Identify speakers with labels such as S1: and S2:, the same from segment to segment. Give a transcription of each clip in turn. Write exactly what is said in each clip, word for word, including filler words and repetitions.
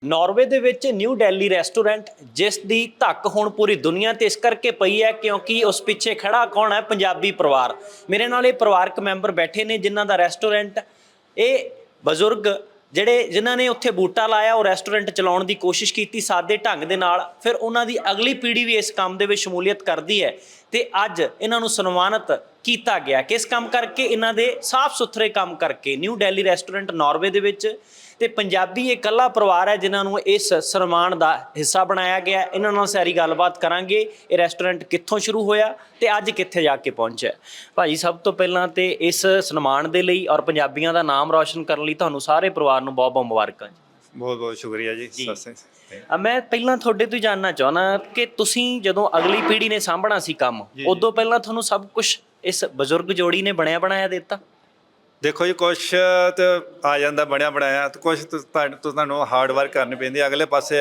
S1: Norway ਦੇ ਵਿੱਚ new Delhi restaurant ਜਿਸ ਦੀ ਧੱਕ ਹੁਣ ਪੂਰੀ ਦੁਨੀਆ ਤੇ ਇਸ ਕਰਕੇ ਪਈ ਹੈ ਕਿਉਂਕਿ ਉਸ ਪਿੱਛੇ ਖੜਾ ਕੌਣ ਹੈ? ਪੰਜਾਬੀ ਪਰਿਵਾਰ। ਮੇਰੇ ਨਾਲ ਇਹ ਪਰਿਵਾਰਕ ਮੈਂਬਰ ਬੈਠੇ ਨੇ ਜਿਨ੍ਹਾਂ ਦਾ ਰੈਸਟੋਰੈਂਟ, ਇਹ ਬਜ਼ੁਰਗ ਜਿਹੜੇ ਜਿਨ੍ਹਾਂ ਨੇ ਉੱਥੇ ਬੂਟਾ ਲਾਇਆ, ਉਹ ਰੈਸਟੋਰੈਂਟ ਚਲਾਉਣ ਦੀ ਕੋਸ਼ਿਸ਼ ਕੀਤੀ ਸਾਦੇ ਢੰਗ ਦੇ ਨਾਲ। ਫਿਰ ਉਹਨਾਂ ਦੀ ਅਗਲੀ ਪੀੜ੍ਹੀ ਵੀ ਇਸ ਕੰਮ ਦੇ ਵਿੱਚ ਸ਼ਮੂਲੀਅਤ ਕਰਦੀ ਹੈ ਤੇ ਅੱਜ ਇਹਨਾਂ ਨੂੰ ਸਨਮਾਨਿਤ ਕੀਤਾ ਗਿਆ। ਕਿਸ ਕੰਮ ਕਰਕੇ? ਇਹਨਾਂ ਦੇ ਸਾਫ਼ ਸੁਥਰੇ ਕੰਮ ਕਰਕੇ। ਨਿਊ ਦਿੱਲੀ ਰੈਸਟੋਰੈਂਟ ਨਾਰਵੇ ਦੇ ਵਿੱਚ ਤੇ ਪੰਜਾਬੀ ਇਹ ਇਕੱਲਾ ਪਰਿਵਾਰ ਹੈ ਜਿਨ੍ਹਾਂ ਨੂੰ ਇਸ ਸਨਮਾਨ ਦਾ ਹਿੱਸਾ ਬਣਾਇਆ ਗਿਆ। ਇਹਨਾਂ ਨਾਲ ਸਾਰੀ ਗੱਲਬਾਤ ਕਰਾਂਗੇ। ਇਹ ਰੈਸਟੋਰੈਂਟ ਕਿੱਥੋਂ ਸ਼ੁਰੂ ਹੋਇਆ ਤੇ ਅੱਜ ਕਿੱਥੇ ਜਾ ਕੇ ਪਹੁੰਚਿਆ। ਭਾਜੀ, ਸਭ ਤੋਂ ਪਹਿਲਾਂ ਤੇ ਇਸ ਸਨਮਾਨ ਦੇ ਲਈ ਔਰ ਪੰਜਾਬੀਆਂ ਦਾ ਨਾਮ ਰੌਸ਼ਨ ਕਰਨ ਲਈ ਤੁਹਾਨੂੰ ਸਾਰੇ ਪਰਿਵਾਰ ਨੂੰ ਬਹੁਤ ਬਹੁਤ ਮੁਬਾਰਕਾਂ ਜੀ।
S2: ਬਹੁਤ ਬਹੁਤ ਸ਼ੁਕਰੀਆ ਜੀ।
S1: ਮੈਂ ਪਹਿਲਾਂ ਤੁਹਾਡੇ ਤੋਂ ਜਾਣਨਾ ਚਾਹੁੰਦਾ ਕਿ ਤੁਸੀਂ ਜਦੋਂ ਅਗਲੀ ਪੀੜ੍ਹੀ ਨੇ ਸਾਂਭਣਾ ਸੀ ਕੰਮ, ਉਦੋਂ ਪਹਿਲਾਂ ਤੁਹਾਨੂੰ ਸਭ ਕੁਝ ਇਸ ਬਜ਼ੁਰਗ ਜੋੜੀ ਨੇ ਬਣਿਆ ਬਣਾਇਆ ਦਿੱਤਾ?
S2: ਦੇਖੋ ਜੀ, ਕੁਛ ਤਾਂ ਆ ਜਾਂਦਾ ਬਣਿਆ ਬਣਾਇਆ ਤੇ ਕੁਛ ਤੁਹਾਨੂੰ ਹਾਰਡ ਵਰਕ ਕਰਨੀ ਪੈਂਦੀ। ਅਗਲੇ ਪਾਸੇ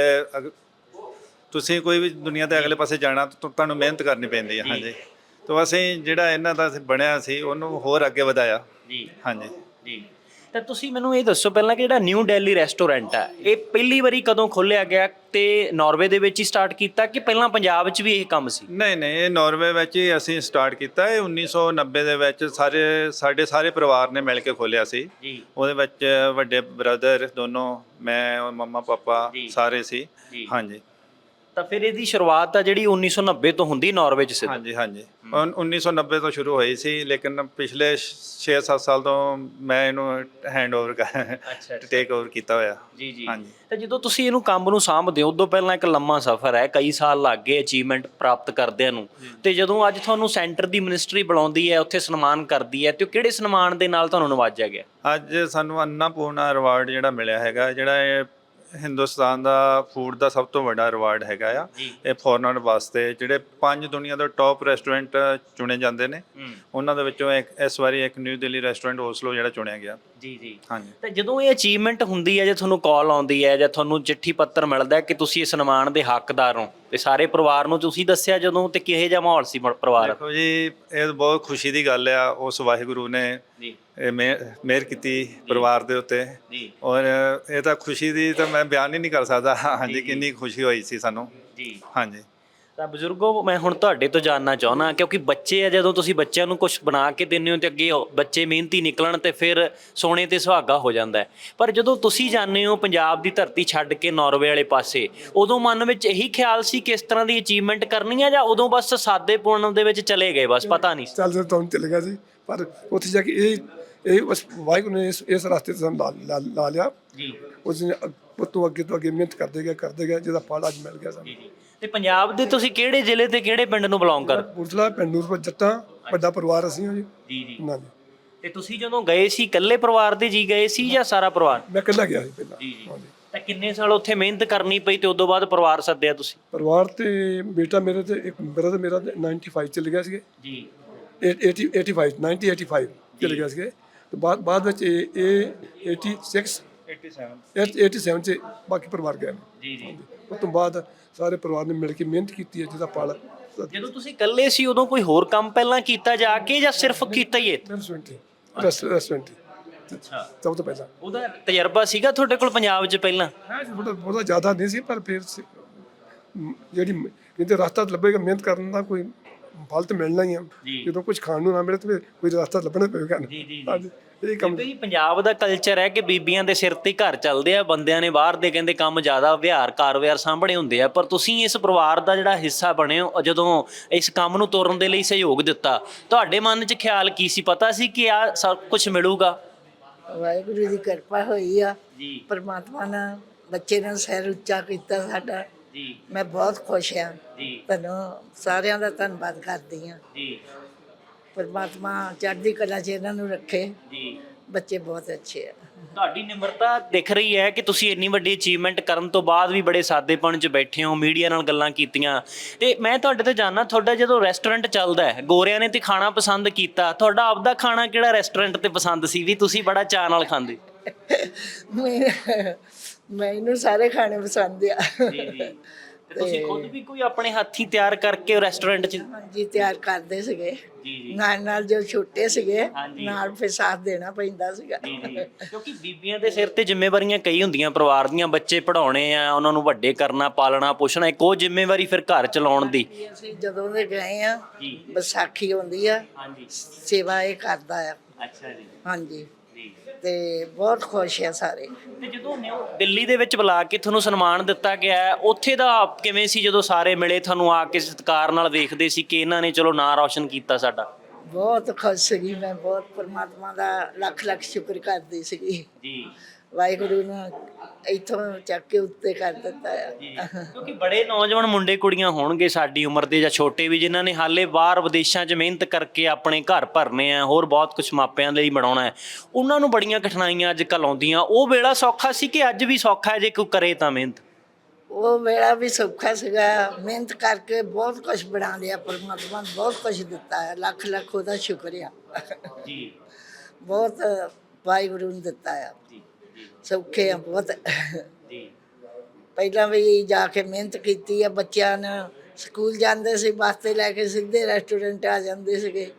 S2: ਤੁਸੀਂ ਕੋਈ ਵੀ ਦੁਨੀਆ ਦੇ ਅਗਲੇ ਪਾਸੇ ਜਾਣਾ ਤਾਂ ਤੁਹਾਨੂੰ ਮਿਹਨਤ ਕਰਨੀ ਪੈਂਦੀ ਹੈ। ਹਾਂਜੀ, ਤਾਂ ਅਸੀਂ ਜਿਹੜਾ ਇਹਨਾਂ ਦਾ ਬਣਿਆ ਸੀ ਉਹਨੂੰ ਹੋਰ ਅੱਗੇ ਵਧਾਇਆ ਜੀ। ਹਾਂਜੀ
S1: ਜੀ, ਤਾਂ ਤੁਸੀਂ ਮੈਨੂੰ ਇਹ ਦੱਸੋ ਪਹਿਲਾਂ ਕਿ ਜਿਹੜਾ ਨਿਊ ਦਿੱਲੀ ਰੈਸਟੋਰੈਂਟ ਹੈ ਇਹ ਪਹਿਲੀ ਵਾਰੀ ਕਦੋਂ ਖੋਲ੍ਹਿਆ ਗਿਆ ਤੇ ਨਾਰਵੇ ਦੇ ਵਿੱਚ ਹੀ ਸਟਾਰਟ ਕੀਤਾ ਕਿ ਪਹਿਲਾਂ ਪੰਜਾਬ 'ਚ ਵੀ ਇਹ ਕੰਮ ਸੀ?
S2: ਨਹੀਂ ਨਹੀਂ, ਇਹ ਨਾਰਵੇ ਵਿੱਚ ਹੀ ਅਸੀਂ ਸਟਾਰਟ ਕੀਤਾ। ਇਹ ਉੱਨੀ ਸੌ ਨੱਬੇ ਦੇ ਵਿੱਚ ਸਾਰੇ ਸਾਡੇ ਸਾਰੇ ਪਰਿਵਾਰ ਨੇ ਮਿਲ ਕੇ ਖੋਲ੍ਹਿਆ ਸੀ ਜੀ। ਉਹਦੇ ਵਿੱਚ ਵੱਡੇ ਬ੍ਰਦਰ ਦੋਨੋਂ, ਮੈਂ, ਮੰਮਾ ਪਾਪਾ ਸਾਰੇ ਸੀ। ਹਾਂਜੀ,
S1: ਤਾਂ ਫਿਰ ਇਹਦੀ ਸ਼ੁਰੂਆਤ ਆ ਜਿਹੜੀ ਉੱਨੀ ਸੌ ਨੱਬੇ ਤੋਂ ਹੁੰਦੀ ਨਾਰਵੇ 'ਚ? ਸਿੱਧਾ
S2: ਹਾਂਜੀ ਹਾਂਜੀ, ਉੱਨੀ ਸੌ ਨੱਬੇ ਤੋਂ ਸ਼ੁਰੂ ਹੋਈ ਸੀ, ਲੇਕਿਨ ਪਿਛਲੇ ਛੇ ਸੱਤ ਸਾਲ ਤੋਂ ਮੈਂ ਇਹਨੂੰ ਹੈਂਡ ਓਵਰ ਟੇਕ ਓਵਰ ਕੀਤਾ ਹੋਇਆ ਜੀ ਜੀ। ਹਾਂਜੀ, ਤਾਂ
S1: ਜਦੋਂ ਤੁਸੀਂ ਇਹਨੂੰ ਕੰਮ ਨੂੰ ਸਾਂਭਦੇ ਹੋ ਉਦੋਂ ਪਹਿਲਾਂ ਇੱਕ ਲੰਮਾ ਸਫ਼ਰ ਹੈ, ਕਈ ਸਾਲ ਲੱਗ ਗਏ ਅਚੀਵਮੈਂਟ ਪ੍ਰਾਪਤ ਕਰਦਿਆਂ ਨੂੰ, ਤੇ ਜਦੋਂ ਅੱਜ ਤੁਹਾਨੂੰ ਸੈਂਟਰ ਦੀ ਮਿਨਿਸਟਰੀ ਬੁਲਾਉਂਦੀ ਹੈ, ਉੱਥੇ ਸਨਮਾਨ ਕਰਦੀ ਹੈ, ਤੇ ਉਹ ਕਿਹੜੇ ਸਨਮਾਨ ਦੇ ਨਾਲ ਤੁਹਾਨੂੰ ਨਵਾਜਿਆ ਗਿਆ?
S2: ਅੱਜ ਸਾਨੂੰ ਅੰਨਾਪੂਰਨਾ ਰਿਵਾਰਡ ਜਿਹੜਾ ਮਿਲਿਆ ਹੈਗਾ, ਜਿਹੜਾ ਇਹ ਹਿੰਦੁਸਤਾਨ ਦਾ ਫੂਡ ਦਾ ਸਭ ਤੋਂ ਵੱਡਾ ਰਿਵਾਰਡ ਹੈਗਾ ਆ। ਇਹ ਫੋਰਨਰ ਵਾਸਤੇ ਜਿਹੜੇ ਪੰਜ ਦੁਨੀਆ ਦੇ ਟੌਪ ਰੈਸਟੋਰੈਂਟ ਚੁਣੇ ਜਾਂਦੇ ਨੇ, ਉਹਨਾਂ ਦੇ ਵਿੱਚੋਂ ਇੱਕ ਇਸ ਵਾਰੀ ਇੱਕ ਨਿਊ ਦਿੱਲੀ ਰੈਸਟੋਰੈਂਟ ਓਸਲੋ ਜਿਹੜਾ ਚੁਣਿਆ ਗਿਆ ਜੀ ਜੀ। ਹਾਂਜੀ, ਤਾਂ ਜਦੋਂ ਇਹ ਅਚੀਵਮੈਂਟ ਹੁੰਦੀ ਹੈ, ਜੇ ਤੁਹਾਨੂੰ ਕਾਲ ਆਉਂਦੀ ਹੈ ਜਾਂ ਤੁਹਾਨੂੰ ਚਿੱਠੀ ਪੱਤਰ ਮਿਲਦਾ ਕਿ ਤੁਸੀਂ ਇਸ ਸਨਮਾਨ ਦੇ ਹੱਕਦਾਰ ਹੋ, ਤੇ ਸਾਰੇ ਪਰਿਵਾਰ ਨੂੰ ਤੁਸੀਂ ਦੱਸਿਆ ਜਦੋਂ, ਤੇ ਕਿਹੋ ਜਿਹਾ ਮਾਹੌਲ ਸੀ ਪਰਿਵਾਰ? ਦੇਖੋ ਜੀ, ਇਹ ਬਹੁਤ ਖੁਸ਼ੀ ਦੀ ਗੱਲ ਆ। ਉਸ ਵਾਹਿਗੁਰੂ ਨੇ ਇਹ ਮਿਹਰ ਕੀਤੀ ਪਰਿਵਾਰ ਦੇ ਉੱਤੇ, ਔਰ ਇਹ ਤਾਂ ਖੁਸ਼ੀ ਦੀ ਤਾਂ ਮੈਂ ਬਿਆਨ ਹੀ ਨਹੀਂ ਕਰ ਸਕਦਾ। ਹਾਂਜੀ, ਕਿੰਨੀ ਖੁਸ਼ੀ ਹੋਈ ਸੀ ਸਾਨੂੰ ਜੀ। ਹਾਂਜੀ,
S1: ਤਾਂ ਬਜ਼ੁਰਗੋ, ਮੈਂ ਹੁਣ ਤੁਹਾਡੇ ਤੋਂ ਜਾਣਨਾ ਚਾਹੁੰਦਾ ਕਿਉਂਕਿ ਬੱਚੇ ਆ, ਜਦੋਂ ਤੁਸੀਂ ਬੱਚਿਆਂ ਨੂੰ ਕੁਝ ਬਣਾ ਕੇ ਦਿੰਦੇ ਹੋ ਤੇ ਅੱਗੇ ਬੱਚੇ ਮਿਹਨਤੀ ਨਿਕਲਣ ਤੇ ਫਿਰ ਸੋਨੇ ਤੇ ਸੁਹਾਗਾ ਹੋ ਜਾਂਦਾ ਹੈ, ਪਰ ਜਦੋਂ ਤੁਸੀਂ ਜਾਂਦੇ ਹੋ ਪੰਜਾਬ ਦੀ ਧਰਤੀ ਛੱਡ ਕੇ ਨਾਰਵੇ ਵਾਲੇ ਪਾਸੇ, ਉਦੋਂ ਮਨ ਵਿੱਚ ਇਹੀ ਖਿਆਲ ਸੀ ਕਿ ਇਸ ਤਰ੍ਹਾਂ ਦੀ ਅਚੀਵਮੈਂਟ ਕਰਨੀ ਹੈ, ਜਾਂ ਉਦੋਂ ਬਸ ਸਾਦੇਪੁਣ ਦੇ ਵਿੱਚ ਚਲੇ ਗਏ, ਬਸ ਪਤਾ ਨਹੀਂ
S3: ਚੱਲ ਤਾਂ ਚਲੇ ਗਿਆ ਸੀ, ਪਰ ਉੱਥੇ ਜਾ ਕੇ ਇਹ ਇਹ ਬਸ ਵਾਹਿਗੁਰੂ ਨੇ ਇਸ ਇਸ ਰਸਤੇ 'ਤੇ ਸਾਨੂੰ ਲਾ ਲਾ ਲਿਆ ਜੀ। ਉਸ ਨੇ ਤੋਂ ਅੱਗੇ ਤੋਂ ਅੱਗੇ ਮਿਹਨਤ ਕਰਦੇ ਗਏ ਕਰਦੇ ਗਏ, ਜਿਹਦਾ ਫਲ ਅੱਜ ਮਿਲ ਗਿਆ ਸਾਨੂੰ।
S1: ਤੇ ਪੰਜਾਬ ਦੇ ਤੁਸੀਂ ਕਿਹੜੇ ਜ਼ਿਲ੍ਹੇ ਤੇ ਕਿਹੜੇ ਪਿੰਡ ਨੂੰ ਬਿਲੋਂਗ ਕਰ?
S3: ਕਪੂਰਥਲਾ ਪਿੰਡ ਨੂਰਪੁਰ ਜੱਟਾਂ, ਵੱਡਾ ਪਰਿਵਾਰ ਅਸੀਂ ਹਾਂ ਜੀ ਜੀ ਜੀ। ਨਾ ਜੀ,
S1: ਤੇ ਤੁਸੀਂ ਜਦੋਂ ਗਏ ਸੀ ਇਕੱਲੇ ਪਰਿਵਾਰ ਦੇ ਜੀ ਗਏ ਸੀ ਜਾਂ ਸਾਰਾ ਪਰਿਵਾਰ?
S3: ਮੈਂ ਇਕੱਲਾ ਗਿਆ ਸੀ ਪਹਿਲਾਂ
S1: ਜੀ ਜੀ। ਤਾਂ ਕਿੰਨੇ ਸਾਲ ਉੱਥੇ ਮਿਹਨਤ ਕਰਨੀ ਪਈ ਤੇ ਉਦੋਂ ਬਾਅਦ ਪਰਿਵਾਰ ਸੱਦਿਆ ਤੁਸੀਂ?
S3: ਪਰਿਵਾਰ ਤੇ ਬੇਟਾ ਮੇਰੇ ਤੇ ਇੱਕ ਬ੍ਰਦਰ ਮੇਰਾ ਨਾਈਨਟੀ ਫਾਈਵ ਚਲੇ ਗਿਆ ਸੀਗੇ ਜੀ। Eighty eighty five ninety eighty five ਚਲੇ ਗਿਆ ਸੀਗੇ, ਤੇ ਬਾਅਦ ਬਾਅਦ ਵਿੱਚ ਇਹ ਇਹ ਏਟੀ ਸਿਕਸ ਏਟੀ ਸੈਵਨ 'ਚ ਬਾਕੀ ਪਰਿਵਾਰ ਗਏ ਜੀ ਜੀ। ਉਸ ਤੋਂ ਬਾਅਦ ਸਾਰੇ ਪਰਿਵਾਰ ਨੇ ਮਿਲ ਕੇ ਮਿਹਨਤ ਕੀਤੀ ਹੈ, ਜਿਹਦਾ ਫਲ।
S1: ਜਦੋਂ ਤੁਸੀਂ ਇਕੱਲੇ ਸੀ ਉਦੋਂ ਕੋਈ ਹੋਰ ਕੰਮ ਪਹਿਲਾਂ ਕੀਤਾ ਜਾ ਕੇ ਜਾਂ ਸਿਰਫ ਕੀਤਾ ਹੀ?
S3: ਰੈਸਟੋਰੈਂਟ ਰੈਸਟੋਰੈਂਟ ਅੱਛਾ, ਸਭ ਤੋਂ ਪਹਿਲਾਂ
S1: ਉਹਦਾ ਤਜਰਬਾ ਸੀਗਾ ਤੁਹਾਡੇ ਕੋਲ ਪੰਜਾਬ 'ਚ ਪਹਿਲਾਂ?
S3: ਹਾਂ, ਬਹੁਤਾ ਜ਼ਿਆਦਾ ਨਹੀਂ ਸੀ, ਪਰ ਫਿਰ ਜਿਹੜੀ ਕਿਤੇ ਰਸਤਾ ਲੱਭੇਗਾ, ਮਿਹਨਤ ਕਰਨ ਦਾ ਕੋਈ ਫਲ ਤਾਂ ਮਿਲਣਾ ਹੀ ਆ। ਜਦੋਂ ਕੁਝ ਖਾਣ ਨੂੰ ਨਾ ਮਿਲੇ ਤਾਂ ਕੋਈ ਰਸਤਾ ਲੱਭਣਾ ਪਵੇਗਾ। ਜੀ ਜੀ। ਇਹ ਕੰਮ
S1: ਜੀ, ਪੰਜਾਬ ਦਾ ਕਲਚਰ ਹੈ ਕਿ ਬੀਬੀਆਂ ਦੇ ਸਿਰ ਤੇ ਘਰ ਚੱਲਦੇ ਆ, ਬੰਦਿਆਂ ਨੇ ਬਾਹਰ ਦੇ ਕਹਿੰਦੇ ਕੰਮ ਜ਼ਿਆਦਾ ਵਿਹਾਰ ਕਾਰ ਵਿਹਾਰ ਸਾਂਭਣੇ ਹੁੰਦੇ ਆ, ਪਰ ਤੁਸੀਂ ਇਸ ਪਰਿਵਾਰ ਦਾ ਜਿਹੜਾ ਹਿੱਸਾ ਬਣੇ ਹੋ, ਜਦੋਂ ਇਸ ਕੰਮ ਨੂੰ ਤੋਰਨ ਦੇ ਲਈ ਸਹਿਯੋਗ ਦਿੱਤਾ, ਤੁਹਾਡੇ ਮਨ 'ਚ ਖਿਆਲ ਕੀ ਸੀ? ਪਤਾ ਸੀ ਕਿ ਆਹ ਸਭ ਕੁਝ ਮਿਲੂਗਾ?
S4: ਵਾਹਿਗੁਰੂ ਦੀ ਕਿਰਪਾ ਹੋਈ ਆ ਜੀ, ਪਰਮਾਤਮਾ ਨੇ ਬੱਚੇ ਨੂੰ ਸਿਰ ਉੱਚਾ ਕੀਤਾ ਸਾਡਾ ਜੀ। ਮੈਂ ਬਹੁਤ ਖੁਸ਼ ਹਾਂ ਜੀ, ਤੁਹਾਨੂੰ ਸਾਰਿਆਂ ਦਾ ਧੰਨਵਾਦ ਕਰਦੀ ਹਾਂ ਜੀ। ਪਰਮਾਤਮਾ ਚੜ੍ਹਦੀ ਕਲਾ 'ਚ ਇਹਨਾਂ ਨੂੰ ਰੱਖੇ ਜੀ। ਬੱਚੇ ਬਹੁਤ ਅੱਛੇ ਆ।
S1: ਤੁਹਾਡੀ ਨਿਮਰਤਾ ਦਿਖ ਰਹੀ ਹੈ ਕਿ ਤੁਸੀਂ ਇੰਨੀ ਵੱਡੀ ਅਚੀਵਮੈਂਟ ਕਰਨ ਤੋਂ ਬਾਅਦ ਵੀ ਬੜੇ ਸਾਦੇਪਣ 'ਚ ਬੈਠੇ ਹੋ, ਮੀਡੀਆ ਨਾਲ ਗੱਲਾਂ ਕੀਤੀਆਂ। ਤੇ ਮੈਂ ਤੁਹਾਡੇ ਤੋਂ ਜਾਣਨਾ, ਤੁਹਾਡਾ ਜਦੋਂ ਰੈਸਟੋਰੈਂਟ ਚੱਲਦਾ ਹੈ, ਗੋਰਿਆਂ ਨੇ ਤੇ ਖਾਣਾ ਪਸੰਦ ਕੀਤਾ, ਤੁਹਾਡਾ ਆਪਦਾ ਖਾਣਾ ਕਿਹੜਾ ਰੈਸਟੋਰੈਂਟ ਤੇ ਪਸੰਦ ਸੀ ਵੀ ਤੁਸੀਂ ਬੜਾ ਚਾਅ ਨਾਲ ਖਾਂਦੇ?
S4: ਮੈਨੂੰ ਸਾਰੇ ਖਾਣੇ ਪਸੰਦ ਆ
S1: ਤੇ ਤੁਸੀਂ ਖੁਦ ਵੀ ਕੋਈ ਆਪਣੇ ਹੱਥੀਂ ਤਿਆਰ ਕਰਕੇ ਰੈਸਟੋਰੈਂਟ 'ਚ?
S4: ਹਾਂਜੀ ਤਿਆਰ ਕਰਦੇ ਸੀਗੇ
S1: ਜੀ ਜੀ
S4: ਨਾਲ ਨਾਲ ਜੋ ਛੋਟੇ ਸੀਗੇ
S1: ਹਾਂਜੀ।
S4: ਨਾਲ ਫਿਰ ਸਾਥ ਦੇਣਾ ਪੈਂਦਾ ਸੀਗਾ।
S1: ਜੀ ਜੀ ਕਿਉਂਕਿ ਬੀਬੀਆਂ ਦੇ ਸਿਰ ਤੇ ਜ਼ਿੰਮੇਵਾਰੀਆਂ ਕਈ ਹੁੰਦੀਆਂ ਪਰਿਵਾਰ ਦੀਆਂ, ਬੱਚੇ ਪੜ੍ਹਾਉਣੇ ਆ, ਉਹਨਾਂ ਨੂੰ ਵੱਡੇ ਕਰਨਾ, ਪਾਲਣਾ ਪੋਸ਼ਣਾ, ਇੱਕ ਉਹ ਜ਼ਿੰਮੇਵਾਰੀ ਫਿਰ ਘਰ ਚਲਾਉਣ ਦੀ।
S4: ਅਸੀਂ ਜਦੋਂ ਦੇ ਗਏ ਆ
S1: ਜੀ
S4: ਵਿਸਾਖੀ ਆਉਂਦੀ ਆ
S1: ਹਾਂਜੀ।
S4: ਸੇਵਾ ਇਹ ਕਰਦਾ ਆ।
S1: ਅੱਛਾ ਜੀ
S4: ਹਾਂਜੀ
S1: ਜੀ।
S4: ਤੇ ਬਹੁਤ ਖੁਸ਼ ਆ ਸਾਰੇ।
S1: ਤੇ ਜਦੋਂ ਨਿਊ ਦਿੱਲੀ ਦੇ ਵਿੱਚ ਬੁਲਾ ਕੇ ਤੁਹਾਨੂੰ ਸਨਮਾਨ ਦਿੱਤਾ ਗਿਆ ਹੈ, ਉੱਥੇ ਦਾ ਕਿਵੇਂ ਸੀ ਜਦੋਂ ਸਾਰੇ ਮਿਲੇ ਤੁਹਾਨੂੰ ਆ ਕੇ ਸਤਿਕਾਰ ਨਾਲ ਵੇਖਦੇ ਸੀ ਕਿ ਇਹਨਾਂ ਨੇ ਚਲੋ ਨਾਂ ਰੌਸ਼ਨ ਕੀਤਾ ਸਾਡਾ?
S4: ਬਹੁਤ ਖੁਸ਼ ਸੀਗੀ ਮੈਂ, ਬਹੁਤ ਪਰਮਾਤਮਾ ਦਾ ਲੱਖ ਲੱਖ ਸ਼ੁਕਰ ਕਰਦੀ ਸੀਗੀ।
S1: ਜੀ
S4: ਵਾਹਿਗੁਰੂ ਨੇ ਇੱਥੋਂ ਚੱਕ ਕੇ ਉੱਤੇ ਕਰ ਦਿੱਤਾ
S1: ਜੀ
S4: ਆ।
S1: ਕਿਉਂਕਿ ਬੜੇ ਨੌਜਵਾਨ ਮੁੰਡੇ ਕੁੜੀਆਂ ਹੋਣਗੇ ਸਾਡੀ ਉਮਰ ਦੇ ਜਾਂ ਛੋਟੇ ਵੀ, ਜਿਨ੍ਹਾਂ ਨੇ ਹਾਲੇ ਬਾਹਰ ਵਿਦੇਸ਼ਾਂ 'ਚ ਮਿਹਨਤ ਕਰਕੇ ਆਪਣੇ ਘਰ ਭਰਨੇ ਆ, ਹੋਰ ਬਹੁਤ ਕੁਝ ਮਾਪਿਆਂ ਲਈ ਬਣਾਉਣਾ ਹੈ, ਉਹਨਾਂ ਨੂੰ ਬੜੀਆਂ ਕਠਿਨਾਈਆਂ ਅੱਜ ਕੱਲ੍ਹ ਆਉਂਦੀਆਂ। ਉਹ ਵੇਲਾ ਸੌਖਾ ਸੀ ਕਿ ਅੱਜ ਵੀ ਸੌਖਾ ਹੈ ਜੇ ਕੋਈ ਕਰੇ ਤਾਂ ਮਿਹਨਤ?
S4: ਉਹ ਵੇਲਾ ਵੀ ਸੌਖਾ ਸੀਗਾ, ਮਿਹਨਤ ਕਰਕੇ ਬਹੁਤ ਕੁਝ ਬਣਾ ਲਿਆ ਪਰਮਾਤਮਾ ਨੇ, ਬਹੁਤ ਕੁਝ ਦਿੱਤਾ ਹੈ, ਲੱਖ ਲੱਖ ਉਹਦਾ ਸ਼ੁਕਰ ਆ।
S1: ਜੀ
S4: ਬਹੁਤ ਵਾਹਿਗੁਰੂ ਨੇ ਦਿੱਤਾ ਆ,
S1: ਜੀ
S4: ਸੌਖੇ ਆ ਬਹੁਤ।
S1: ਜੀ
S4: ਪਹਿਲਾਂ ਵੀ ਜਾ ਕੇ ਮਿਹਨਤ ਕੀਤੀ ਆ, ਬੱਚਿਆਂ ਨੇ ਸਕੂਲ ਜਾਂਦੇ ਸੀ ਬੱਸ ਤੇ ਲੈ ਕੇ ਸਿੱਧੇ ਰੈਸਟੋਰੈਂਟ ਆ ਜਾਂਦੇ ਸੀਗੇ।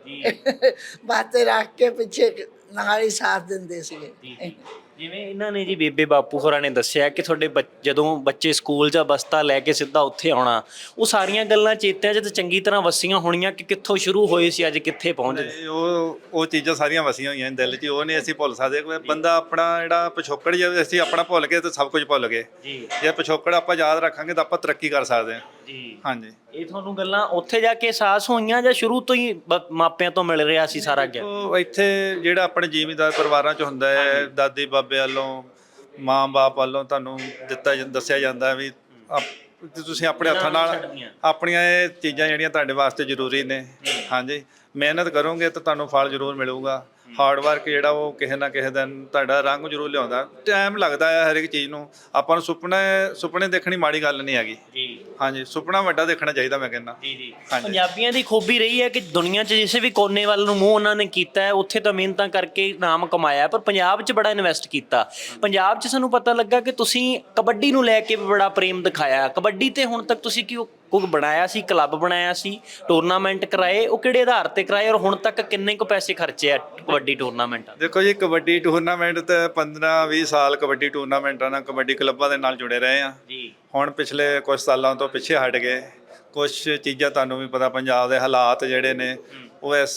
S4: ਬੱਸ ਤੇ ਰੱਖ ਕੇ ਪਿੱਛੇ ਨਾਲ ਹੀ ਸਾਥ ਦਿੰਦੇ ਸੀਗੇ।
S1: ਜਿਵੇਂ ਇਹਨਾਂ ਨੇ ਜੀ ਬੇਬੇ ਬਾਪੂ ਹੋਰਾਂ ਨੇ ਦੱਸਿਆ ਕਿ ਤੁਹਾਡੇ ਬੱਚ- ਜਦੋਂ ਬੱਚੇ ਸਕੂਲ ਜਾਂ ਬਸਤਾ ਲੈ ਕੇ ਸਿੱਧਾ ਉੱਥੇ ਆਉਣਾ, ਉਹ ਸਾਰੀਆਂ ਗੱਲਾਂ ਚੇਤਿਆਂ 'ਚ ਤਾਂ ਚੰਗੀ ਤਰ੍ਹਾਂ ਵਸੀਆਂ ਹੋਣੀਆਂ ਕਿ ਕਿੱਥੋਂ ਸ਼ੁਰੂ ਹੋਏ ਸੀ ਅੱਜ ਕਿੱਥੇ ਪਹੁੰਚ ਗਏ।
S2: ਤੇ ਉਹ ਉਹ ਚੀਜ਼ਾਂ ਸਾਰੀਆਂ ਵਸੀਆਂ ਹੋਈਆਂ ਨੇ ਦਿਲ 'ਚ, ਉਹ ਨਹੀਂ ਅਸੀਂ ਭੁੱਲ ਸਕਦੇ। ਕੋਈ ਬੰਦਾ ਆਪਣਾ ਜਿਹੜਾ ਪਿਛੋਕੜ, ਜੇ ਅਸੀਂ ਆਪਣਾ ਭੁੱਲ ਗਏ ਤਾਂ ਸਭ ਕੁਝ ਭੁੱਲ ਗਏ।
S1: ਜੀ
S2: ਜੇ ਪਿਛੋਕੜ ਆਪਾਂ ਯਾਦ ਰੱਖਾਂਗੇ ਤਾਂ ਆਪਾਂ ਤਰੱਕੀ ਕਰ ਸਕਦੇ ਹਾਂ।
S1: ਜੀ
S2: ਹਾਂਜੀ।
S1: ਇਹ ਤੁਹਾਨੂੰ ਗੱਲਾਂ ਉੱਥੇ ਜਾ ਕੇ ਅਹਿਸਾਸ ਹੋਈਆਂ ਜਾਂ ਸ਼ੁਰੂ ਤੋਂ ਹੀ ਬ- ਮਾਪਿਆਂ ਤੋਂ ਮਿਲ ਰਿਹਾ ਸੀ ਸਾਰਾ ਗਿਆਨ?
S2: ਉਹ ਇੱਥੇ ਜਿਹੜਾ ਆਪਣੇ ਜ਼ਿਮੀਂਦਾਰ ਪਰਿਵਾਰਾਂ 'ਚ ਹੁੰਦਾ ਹੈ, ਦਾਦੀ ਬਾਬੇ ਵੱਲੋਂ, ਮਾਂ ਬਾਪ ਵੱਲੋਂ ਤੁਹਾਨੂੰ ਦਿੱਤਾ ਜਾਂ- ਦੱਸਿਆ ਜਾਂਦਾ ਵੀ ਆਪ- ਤੇ ਤੁਸੀਂ ਆਪਣੇ ਹੱਥਾਂ ਨਾਲ ਆਪਣੀਆਂ ਇਹ ਚੀਜ਼ਾਂ ਜਿਹੜੀਆਂ ਤੁਹਾਡੇ ਵਾਸਤੇ ਜ਼ਰੂਰੀ ਨੇ। ਹਾਂਜੀ, ਮਿਹਨਤ ਕਰੋਗੇ ਤਾਂ ਤੁਹਾਨੂੰ ਫਲ ਜ਼ਰੂਰ ਮਿਲੂਗਾ। ਹਾਰਡ ਵਰਕ ਜਿਹੜਾ ਉਹ ਕਿਸੇ ਨਾ ਕਿਸੇ ਦਿਨ ਤੁਹਾਡਾ ਰੰਗ ਜ਼ਰੂਰ ਲਿਆਉਂਦਾ। ਟਾਈਮ ਲੱਗਦਾ ਹੈ ਹਰ ਇੱਕ ਚੀਜ਼ ਨੂੰ। ਆਪਾਂ ਨੂੰ ਸੁਪਨੇ ਸੁਪਨੇ ਦੇਖਣੀ ਮਾੜੀ ਗੱਲ ਨਹੀਂ ਹੈਗੀ।
S1: ਜੀ
S2: ਹਾਂਜੀ, ਸੁਪਨਾ ਵੱਡਾ ਦੇਖਣਾ ਚਾਹੀਦਾ ਮੈਂ ਕਹਿੰਦਾ।
S1: ਜੀ ਜੀ
S2: ਹਾਂਜੀ।
S1: ਪੰਜਾਬੀਆਂ ਦੀ ਖੂਬੀ ਰਹੀ ਹੈ ਕਿ ਦੁਨੀਆ 'ਚ ਜਿਸੇ ਵੀ ਕੋਨੇ ਵੱਲ ਨੂੰ ਮੂੰਹ ਉਹਨਾਂ ਨੇ ਕੀਤਾ ਹੈ, ਉੱਥੇ ਤਾਂ ਮਿਹਨਤਾਂ ਕਰਕੇ ਨਾਮ ਕਮਾਇਆ, ਪਰ ਪੰਜਾਬ 'ਚ ਬੜਾ ਇਨਵੈਸਟ ਕੀਤਾ। ਪੰਜਾਬ 'ਚ ਸਾਨੂੰ ਪਤਾ ਲੱਗਾ ਕਿ ਤੁਸੀਂ ਕਬੱਡੀ ਨੂੰ ਲੈ ਕੇ ਵੀ ਬੜਾ ਪ੍ਰੇਮ ਦਿਖਾਇਆ। ਕਬੱਡੀ ਤੇ ਹੁਣ ਤੱਕ ਤੁਸੀਂ ਕੀ ਕੁਝ ਬਣਾਇਆ ਸੀ, ਕਲੱਬ ਬਣਾਇਆ ਸੀ, ਟੂਰਨਾਮੈਂਟ ਕਰਾਏ, ਉਹ ਕਿਹੜੇ ਆਧਾਰ ਤੇ ਕਰਾਏ ਔਰ ਹੁਣ ਤੱਕ ਕਿੰਨੇ ਕੁ ਪੈਸੇ ਖਰਚੇ ਆ ਕਬੱਡੀ ਟੂਰਨਾਮੈਂਟਾਂ?
S2: ਦੇਖੋ ਜੀ, ਕਬੱਡੀ ਟੂਰਨਾਮੈਂਟ ਤੇ ਪੰਦਰਾਂ ਵੀਹ ਸਾਲ ਕਬੱਡੀ ਟੂਰਨਾਮੈਂਟਾਂ ਨਾਲ, ਕਬੱਡੀ ਕਲੱਬਾਂ ਦੇ ਨਾਲ ਜੁੜੇ ਰਹੇ ਆ।
S1: ਜੀ
S2: ਹੁਣ ਪਿਛਲੇ ਕੁਝ ਸਾਲਾਂ ਤੋਂ ਪਿੱਛੇ ਹਟ ਗਏ। ਕੁਝ ਚੀਜ਼ਾਂ ਤੁਹਾਨੂੰ ਵੀ ਪਤਾ, ਪੰਜਾਬ ਦੇ ਹਾਲਾਤ ਜਿਹੜੇ ਨੇ ਉਹ ਇਸ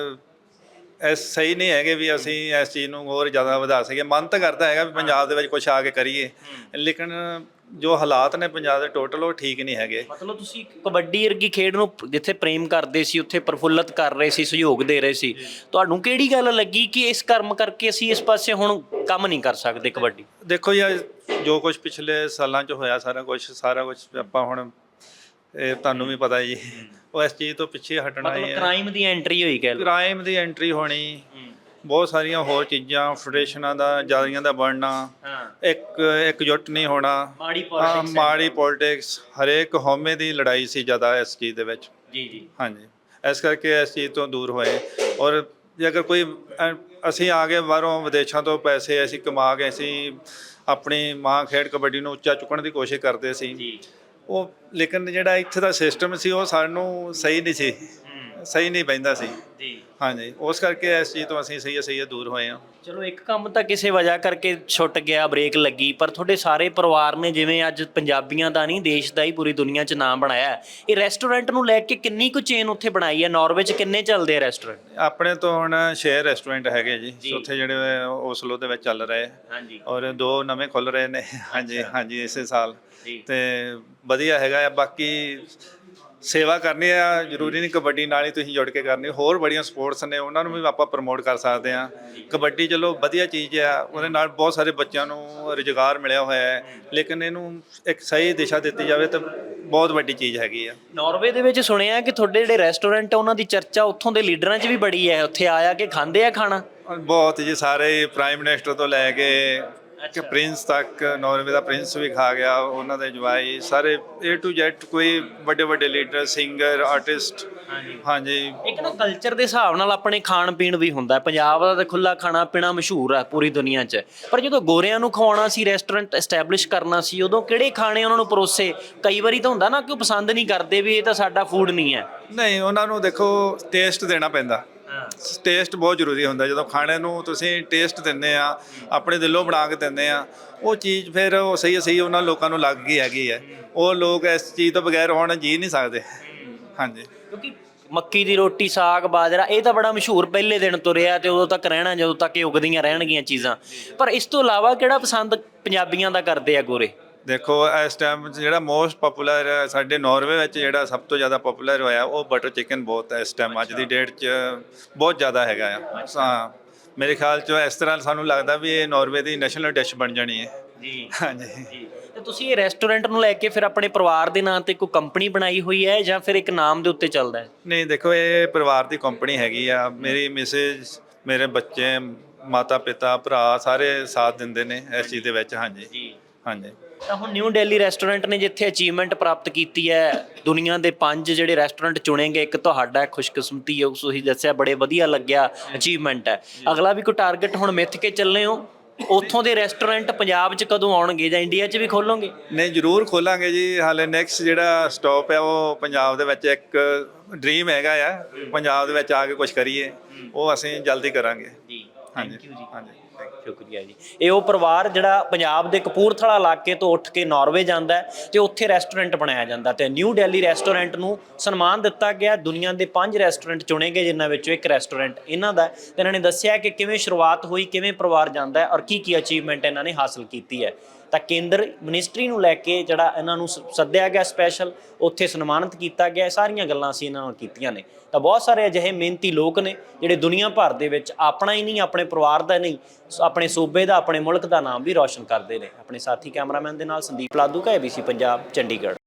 S2: ਇਸ ਸਹੀ ਨਹੀਂ ਹੈਗੇ ਵੀ ਅਸੀਂ ਇਸ ਚੀਜ਼ ਨੂੰ ਹੋਰ ਜ਼ਿਆਦਾ ਵਧਾ ਸਕੀਏ। ਮਨ ਤਾਂ ਕਰਦਾ ਹੈਗਾ ਵੀ ਪੰਜਾਬ ਦੇ ਵਿੱਚ ਕੁਝ ਆ ਕੇ ਕਰੀਏ, ਲੇਕਿਨ ਜੋ ਹਾਲਾਤ ਨੇ ਪੰਜਾਬ ਦੇ ਟੋਟਲ ਉਹ ਠੀਕ ਨਹੀਂ ਹੈਗੇ।
S1: ਮਤਲਬ ਤੁਸੀਂ ਕਬੱਡੀ ਵਰਗੀ ਖੇਡ ਨੂੰ ਜਿੱਥੇ ਪ੍ਰੇਮ ਕਰਦੇ ਸੀ ਉੱਥੇ ਪ੍ਰਫੁੱਲਤ ਕਰ ਰਹੇ ਸੀ, ਸਹਿਯੋਗ ਦੇ ਰਹੇ ਸੀ। ਤੁਹਾਨੂੰ ਕਿਹੜੀ ਗੱਲ ਲੱਗੀ ਕਿ ਇਸ ਕਰਮ ਕਰਕੇ ਅਸੀਂ ਇਸ ਪਾਸੇ ਹੁਣ ਕੰਮ ਨਹੀਂ ਕਰ ਸਕਦੇ ਕਬੱਡੀ?
S2: ਦੇਖੋ ਜੀ, ਜੋ ਕੁਝ ਪਿਛਲੇ ਸਾਲਾਂ 'ਚ ਹੋਇਆ, ਸਾਰਾ ਕੁਝ ਸਾਰਾ ਕੁਝ ਆਪਾਂ ਹੁਣ ਇਹ ਤੁਹਾਨੂੰ ਵੀ ਪਤਾ ਜੀ, ਉਹ ਇਸ ਚੀਜ਼ ਤੋਂ ਪਿੱਛੇ ਹਟਣਾ ਹੀ
S1: ਮਤਲਬ
S2: ਹੈ।
S1: ਕ੍ਰਾਈਮ ਦੀ ਐਂਟਰੀ ਹੋਈ ਕਹਿ ਲਓ।
S2: ਕ੍ਰਾਈਮ ਦੀ ਐਂਟਰੀ ਹੋਣੀ, ਬਹੁਤ ਸਾਰੀਆਂ ਹੋਰ ਚੀਜ਼ਾਂ, ਫੈਡਰੇਸ਼ਨਾਂ ਦਾ ਜਾਰੀਆਂ ਦਾ ਬਣਨਾ,
S1: ਹਾਂ
S2: ਇੱਕ ਇਕਜੁੱਟ ਨਹੀਂ ਹੋਣਾ,
S1: ਮਾੜੀ
S2: ਹਾਂ,
S1: ਪੋਲਿਟਿਕਸ।
S2: ਮਾੜੀ ਪੋਲਿਟਿਕਸ, ਹਰੇਕ ਹਉਮੈ ਦੀ ਲੜਾਈ ਸੀ ਜ਼ਿਆਦਾ ਇਸ ਚੀਜ਼ ਦੇ ਵਿੱਚ।
S1: ਜੀ ਜੀ
S2: ਹਾਂਜੀ, ਇਸ ਕਰਕੇ ਇਸ ਚੀਜ਼ ਤੋਂ ਦੂਰ ਹੋਏ। ਔਰ ਜੇ ਅਗਰ ਕੋਈ ਅ, ਅਸੀਂ ਆ ਗਏ ਬਾਹਰੋਂ ਵਿਦੇਸ਼ਾਂ ਤੋਂ ਪੈਸੇ ਅਸੀਂ ਕਮਾ ਕੇ ਅਸੀਂ ਆਪਣੀ ਮਾਂ ਖੇਡ ਕਬੱਡੀ ਨੂੰ ਉੱਚਾ ਚੁੱਕਣ ਦੀ ਕੋਸ਼ਿਸ਼ ਕਰਦੇ ਸੀ।
S1: ਜੀ
S2: ਉਹ ਲੇਕਿਨ ਜਿਹੜਾ ਇੱਥੇ ਦਾ ਸਿਸਟਮ ਸੀ ਉਹ ਸਾਨੂੰ ਸਹੀ ਨਹੀਂ ਸੀ, ਸਹੀ ਨਹੀਂ ਬਹਿੰਦਾ ਸੀ।
S1: ਜੀ
S2: ਹਾਂਜੀ, ਉਸ ਕਰਕੇ ਇਸ ਚੀਜ਼ ਤੋਂ ਅਸੀਂ ਸਹੀ ਸਹੀ ਦੂਰ ਹੋਏ ਹਾਂ।
S1: ਚਲੋ ਇੱਕ ਕੰਮ ਤਾਂ ਕਿਸੇ ਵਜ੍ਹਾ ਕਰਕੇ ਛੁੱਟ ਗਿਆ, ਬ੍ਰੇਕ ਲੱਗੀ, ਪਰ ਤੁਹਾਡੇ ਸਾਰੇ ਪਰਿਵਾਰ ਨੇ ਜਿਵੇਂ ਅੱਜ ਪੰਜਾਬੀਆਂ ਦਾ ਨਹੀਂ ਦੇਸ਼ ਦਾ ਹੀ ਪੂਰੀ ਦੁਨੀਆ 'ਚ ਨਾਮ ਬਣਾਇਆ। ਇਹ ਰੈਸਟੋਰੈਂਟ ਨੂੰ ਲੈ ਕੇ ਕਿੰਨੀ ਕੁ ਚੇਨ ਉੱਥੇ ਬਣਾਈ ਹੈ? ਨਾਰਵੇ 'ਚ ਕਿੰਨੇ ਚੱਲਦੇ ਆ ਰੈਸਟੋਰੈਂਟ?
S2: ਆਪਣੇ ਤੋਂ ਹੁਣ ਛੇ ਰੈਸਟੋਰੈਂਟ ਹੈਗੇ ਜੀ
S1: ਜੀ।
S2: ਉੱਥੇ ਜਿਹੜੇ ਓਸਲੋ ਦੇ ਵਿੱਚ ਚੱਲ ਰਹੇ,
S1: ਹਾਂਜੀ
S2: ਔਰ ਦੋ ਨਵੇਂ ਖੁੱਲ ਰਹੇ ਨੇ। ਹਾਂਜੀ ਹਾਂਜੀ, ਇਸੇ ਸਾਲ।
S1: ਜੀ
S2: ਤੇ ਵਧੀਆ ਹੈਗਾ ਆ। ਬਾਕੀ ਸੇਵਾ ਕਰਨੀ ਆ, ਜ਼ਰੂਰੀ ਨਹੀਂ ਕਬੱਡੀ ਨਾਲ ਹੀ ਤੁਸੀਂ ਜੁੜ ਕੇ ਕਰਨੀ, ਹੋਰ ਬੜੀਆਂ ਸਪੋਰਟਸ ਨੇ ਉਹਨਾਂ ਨੂੰ ਵੀ ਆਪਾਂ ਪ੍ਰਮੋਟ ਕਰ ਸਕਦੇ ਹਾਂ। ਕਬੱਡੀ ਚਲੋ ਵਧੀਆ ਚੀਜ਼ ਆ, ਉਹਦੇ ਨਾਲ ਬਹੁਤ ਸਾਰੇ ਬੱਚਿਆਂ ਨੂੰ ਰੁਜ਼ਗਾਰ ਮਿਲਿਆ ਹੋਇਆ ਹੈ, ਲੇਕਿਨ ਇਹਨੂੰ ਇੱਕ ਸਹੀ ਦਿਸ਼ਾ ਦਿੱਤੀ ਜਾਵੇ ਤਾਂ ਬਹੁਤ ਵੱਡੀ ਚੀਜ਼ ਹੈਗੀ ਆ।
S1: ਨਾਰਵੇ ਦੇ ਵਿੱਚ ਸੁਣਿਆ ਕਿ ਤੁਹਾਡੇ ਜਿਹੜੇ ਰੈਸਟੋਰੈਂਟ ਆ ਉਹਨਾਂ ਦੀ ਚਰਚਾ ਉੱਥੋਂ ਦੇ ਲੀਡਰਾਂ 'ਚ ਵੀ ਬੜੀ ਹੈ, ਉੱਥੇ ਆਇਆ ਕਿ ਖਾਂਦੇ ਆ ਖਾਣਾ?
S2: ਬਹੁਤ ਜੀ, ਸਾਰੇ ਪ੍ਰਾਈਮ ਮਿਨਿਸਟਰ ਤੋਂ ਲੈ ਕੇ ਕਿ ਪ੍ਰਿੰਸ ਤੱਕ, ਨਾਰਵੇ ਦਾ ਪ੍ਰਿੰਸ ਵੀ ਖਾ ਗਿਆ, ਉਹਨਾਂ ਦੇ ਜਵਾਈ ਸਾਰੇ ਏ ਟੂ ਜ਼ੈਡ, ਕੋਈ ਵੱਡੇ ਵੱਡੇ ਲੀਡਰ, ਸਿੰਗਰ, ਆਰਟਿਸਟ। ਹਾਂਜੀ
S1: ਇੱਕ ਨਾ ਕਲਚਰ ਦੇ ਹਿਸਾਬ ਨਾਲ ਆਪਣੇ ਖਾਣ ਪੀਣ ਵੀ ਹੁੰਦਾ ਹੈ। ਪੰਜਾਬ ਦਾ ਤਾਂ ਖੁੱਲਾ ਖਾਣਾ ਪੀਣਾ ਮਸ਼ਹੂਰ ਹੈ ਪੂਰੀ ਦੁਨੀਆ 'ਚ, ਪਰ ਜਦੋਂ ਗੋਰਿਆਂ ਨੂੰ ਖਵਾਉਣਾ ਸੀ, ਰੈਸਟੋਰੈਂਟ ਐਸਟੈਬਲਿਸ਼ ਕਰਨਾ ਸੀ, ਉਦੋਂ ਕਿਹੜੇ ਖਾਣੇ ਉਹਨਾਂ ਨੂੰ ਪਰੋਸੇ? ਕਈ ਵਾਰੀ ਤਾਂ ਹੁੰਦਾ ਨਾ ਕਿ ਉਹ ਪਸੰਦ ਨਹੀਂ ਕਰਦੇ ਵੀ ਇਹ ਤਾਂ ਸਾਡਾ ਫੂਡ ਨਹੀਂ ਹੈ।
S2: ਨਹੀਂ, ਉਹਨਾਂ ਨੂੰ ਦੇਖੋ ਟੇਸਟ ਦੇਣਾ ਪੈਂਦਾ। ਟੇਸਟ ਬਹੁਤ ਜ਼ਰੂਰੀ ਹੁੰਦਾ। ਜਦੋਂ ਖਾਣੇ ਨੂੰ ਤੁਸੀਂ ਟੇਸਟ ਦਿੰਦੇ ਆ, ਆਪਣੇ ਦਿਲੋਂ ਬਣਾ ਕੇ ਦਿੰਦੇ ਆ, ਉਹ ਚੀਜ਼ ਫਿਰ ਉਹ ਸਹੀ ਸਹੀ ਉਹਨਾਂ ਲੋਕਾਂ ਨੂੰ ਲੱਗ ਗਈ ਹੈਗੀ ਹੈ। ਉਹ ਲੋਕ ਇਸ ਚੀਜ਼ ਤੋਂ ਬਗੈਰ ਹੁਣ ਜੀ ਨਹੀਂ ਸਕਦੇ। ਹਾਂਜੀ,
S1: ਕਿਉਂਕਿ ਮੱਕੀ ਦੀ ਰੋਟੀ, ਸਾਗ, ਬਾਜਰਾ ਇਹ ਤਾਂ ਬੜਾ ਮਸ਼ਹੂਰ ਪਹਿਲੇ ਦਿਨ ਤੋਂ ਰਿਹਾ ਤੇ ਉਦੋਂ ਤੱਕ ਰਹਿਣਾ ਜਦੋਂ ਤੱਕ ਇਹ ਉਗਦੀਆਂ ਰਹਿਣਗੀਆਂ ਚੀਜ਼ਾਂ। ਪਰ ਇਸ ਤੋਂ ਇਲਾਵਾ ਕਿਹੜਾ ਪਸੰਦ ਪੰਜਾਬੀਆਂ ਦਾ ਕਰਦੇ ਆ ਗੋਰੇ?
S2: ਦੇਖੋ ਇਸ ਟਾਈਮ ਜਿਹੜਾ ਮੋਸਟ ਪਪੂਲਰ ਸਾਡੇ ਨਾਰਵੇ ਵਿੱਚ ਜਿਹੜਾ ਸਭ ਤੋਂ ਜ਼ਿਆਦਾ ਪਪੂਲਰ ਹੋਇਆ ਉਹ ਬਟਰ ਚਿਕਨ ਬਹੁਤ ਹੈ ਇਸ ਟਾਈਮ, ਅੱਜ ਦੀ ਡੇਟ 'ਚ ਬਹੁਤ ਜ਼ਿਆਦਾ ਹੈਗਾ ਆ। ਹਾਂ, ਮੇਰੇ ਖਿਆਲ 'ਚ ਇਸ ਤਰ੍ਹਾਂ ਸਾਨੂੰ ਲੱਗਦਾ ਵੀ ਇਹ ਨਾਰਵੇ ਦੀ ਨੈਸ਼ਨਲ ਡਿਸ਼ ਬਣ ਜਾਣੀ ਹੈ।
S1: ਜੀ
S2: ਹਾਂਜੀ
S1: ਜੀ। ਤੇ ਤੁਸੀਂ ਇਹ ਰੈਸਟੋਰੈਂਟ ਨੂੰ ਲੈ ਕੇ ਫਿਰ ਆਪਣੇ ਪਰਿਵਾਰ ਦੇ ਨਾਂ ਤੇ ਕੋਈ ਕੰਪਨੀ ਬਣਾਈ ਹੋਈ ਹੈ ਜਾਂ ਫਿਰ ਇੱਕ ਨਾਮ ਦੇ ਉੱਤੇ ਚੱਲਦਾ ਹੈ?
S2: ਨਹੀਂ, ਦੇਖੋ ਇਹ ਪਰਿਵਾਰ ਦੀ ਕੰਪਨੀ ਹੈਗੀ ਆ। ਮੇਰੀ ਮਿਸਿਸ, ਮੇਰੇ ਬੱਚੇ, ਮਾਤਾ ਪਿਤਾ, ਭਰਾ ਸਾਰੇ ਸਾਥ ਦਿੰਦੇ ਨੇ ਇਸ ਚੀਜ਼ ਦੇ ਵਿੱਚ। ਹਾਂਜੀ
S1: ਜੀ
S2: ਹਾਂਜੀ।
S1: ਤਾਂ ਹੁਣ ਨਿਊ ਦਿੱਲੀ ਰੈਸਟੋਰੈਂਟ ਨੇ ਜਿੱਥੇ ਅਚੀਵਮੈਂਟ ਪ੍ਰਾਪਤ ਕੀਤੀ ਹੈ, ਦੁਨੀਆ ਦੇ ਪੰਜ ਜਿਹੜੇ ਰੈਸਟੋਰੈਂਟ ਚੁਣੇ ਗਏ, ਇੱਕ ਤੁਹਾਡਾ ਖੁਸ਼ਕਿਸਮਤੀ ਹੈ, ਤੁਸੀਂ ਦੱਸਿਆ ਬੜੇ ਵਧੀਆ ਲੱਗਿਆ, ਅਚੀਵਮੈਂਟ ਹੈ। ਅਗਲਾ ਵੀ ਕੋਈ ਟਾਰਗੇਟ ਹੁਣ ਮਿੱਥ ਕੇ ਚੱਲੇ ਹੋ? ਉੱਥੋਂ ਦੇ ਰੈਸਟੋਰੈਂਟ ਪੰਜਾਬ 'ਚ ਕਦੋਂ ਆਉਣਗੇ ਜਾਂ ਇੰਡੀਆ 'ਚ ਵੀ ਖੋਲੋਗੇ?
S2: ਨਹੀਂ, ਜ਼ਰੂਰ ਖੋਲਾਂਗੇ ਜੀ। ਹਾਲੇ ਨੈਕਸਟ ਜਿਹੜਾ ਸਟਾਪ ਹੈ ਉਹ ਪੰਜਾਬ ਦੇ ਵਿੱਚ ਇੱਕ ਡ੍ਰੀਮ ਹੈਗਾ ਆ, ਪੰਜਾਬ ਦੇ ਵਿੱਚ ਆ ਕੇ ਕੁਝ ਕਰੀਏ, ਉਹ ਅਸੀਂ ਜਲਦੀ ਕਰਾਂਗੇ ਜੀ। ਹਾਂਜੀ ਹਾਂਜੀ,
S1: ਸ਼ੁਕਰੀਆ ਜੀ। ਇਹ ਉਹ ਪਰਿਵਾਰ ਜਿਹੜਾ ਪੰਜਾਬ ਦੇ ਕਪੂਰਥਲਾ ਇਲਾਕੇ ਤੋਂ ਉੱਠ ਕੇ ਨਾਰਵੇ ਜਾਂਦਾ ਹੈ ਤੇ ਉੱਥੇ ਰੈਸਟੋਰੈਂਟ ਬਣਾਇਆ ਜਾਂਦਾ ਤੇ ਨਿਊ ਦਿੱਲੀ ਰੈਸਟੋਰੈਂਟ ਨੂੰ ਸਨਮਾਨ ਦਿੱਤਾ ਗਿਆ। ਦੁਨੀਆ ਦੇ ਪੰਜ ਰੈਸਟੋਰੈਂਟ ਚੁਣੇ ਗਏ ਜਿਨ੍ਹਾਂ ਵਿੱਚੋਂ ਇੱਕ ਰੈਸਟੋਰੈਂਟ ਇਹਨਾਂ ਦਾ। ਤੇ ਇਹਨਾਂ ਨੇ ਦੱਸਿਆ ਕਿ ਕਿਵੇਂ ਸ਼ੁਰੂਆਤ ਹੋਈ, ਕਿਵੇਂ ਪਰਿਵਾਰ ਜਾਂਦਾ ਹੈ ਔਰ ਕੀ ਕੀ ਅਚੀਵਮੈਂਟ ਇਹਨਾਂ ਨੇ ਹਾਸਲ ਕੀਤੀ ਹੈ। ਤਾਂ ਕੇਂਦਰ ਮਿਨਿਸਟਰੀ ਨੂੰ ਲੈ ਕੇ ਜਿਹੜਾ ਇਹਨਾਂ ਨੂੰ ਸੱਦਿਆ ਗਿਆ ਸਪੈਸ਼ਲ, ਉੱਥੇ ਸਨਮਾਨਿਤ ਕੀਤਾ ਗਿਆ, ਸਾਰੀਆਂ ਗੱਲਾਂ ਅਸੀਂ ਇਹਨਾਂ ਨਾਲ ਕੀਤੀਆਂ ਨੇ। ਤਾਂ ਬਹੁਤ ਸਾਰੇ ਅਜਿਹੇ ਮਿਹਨਤੀ ਲੋਕ ਨੇ ਜਿਹੜੇ ਦੁਨੀਆ ਭਰ ਦੇ ਵਿੱਚ ਆਪਣਾ ਹੀ ਨਹੀਂ, ਆਪਣੇ ਪਰਿਵਾਰ ਦਾ ਨਹੀਂ, ਆਪਣੇ ਸੂਬੇ ਦਾ, ਆਪਣੇ ਮੁਲਕ ਦਾ ਨਾਮ ਵੀ ਰੌਸ਼ਨ ਕਰਦੇ ਨੇ। ਆਪਣੇ ਸਾਥੀ ਕੈਮਰਾਮੈਨ ਦੇ ਨਾਲ ਸੰਦੀਪ ਲਾਧੂ ਕਾ, A B C Punjab, Chandigarh.